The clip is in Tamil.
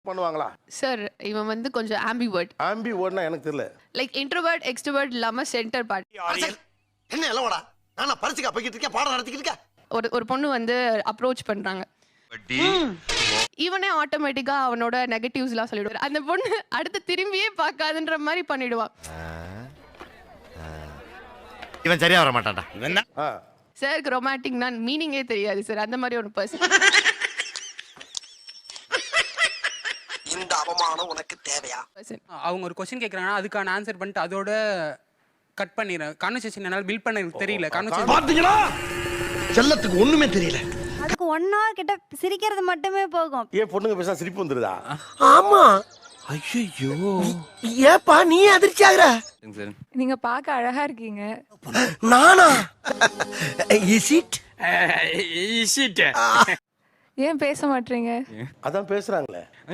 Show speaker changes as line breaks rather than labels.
பண்ணுவாங்களா?
சார் இவன் வந்து கொஞ்சம் ஆம்பிவர்ட்.
ஆம்பிவர்ட்னா எனக்கு தெரியல.
லைக் இன்ட்ரோவர்ட் எக்ஸ்ட்ரோவர்ட் இல்லாம சென்டர் பார்ட்.
என்ன எல்லோடா நானா பரிசுக்கா போய்கிட்டு இருக்கேன் பாடம் நடத்திக்கிட்டு இருக்கேன்.
ஒரு பொண்ணு வந்து அப்ரோச் பண்றாங்க. இவனே ஆட்டோமேட்டிக்கா அவனோட நெகட்டிவ்ஸ்லாம் சொல்லிடுவார். அந்த பொண்ணு அடுத்து திரும்பியே பார்க்காதுன்ற மாதிரி பண்ணிடுவான்.
இவன் சரியா வர மாட்டான்டா. இவன் தான்
சாருக்கு ரொமான்டிக்னா மீனிங்கே தெரியாது சார். அந்த மாதிரி ஒரு பர்சன்.
இந்த அவமானம் உனக்கு தேவையா?
அவங்க ஒரு கொஸ்டின் கேக்குறாங்கன்னா அதுக்கான ஆன்சர் பண்ணிட்டு அதோட கட் பண்ணிடுறேன். கான்வர்சேஷன் என்னால பில்ட் பண்ண எனக்கு தெரியல. கான்வர்சேஷன்
பாத்தீங்களா? செல்லத்துக்கு ஒண்ணுமே தெரியல.
அதுக்கு 1 hour கிட்ட சிரிக்கிறது மட்டுமே போகும்.
ஏன் பொண்ணுங்க பேசா சிரிப்பு வந்துருதா?
ஆமா. ஐயோ ஏப்பா நீ அதிர்ச்சி ஆகுற?
நீங்க பார்க்க அழகா இருக்கீங்க.
நானா? Is it?
ஏன் பேச மாட்டீங்க?
அதான் பேசுறாங்களே.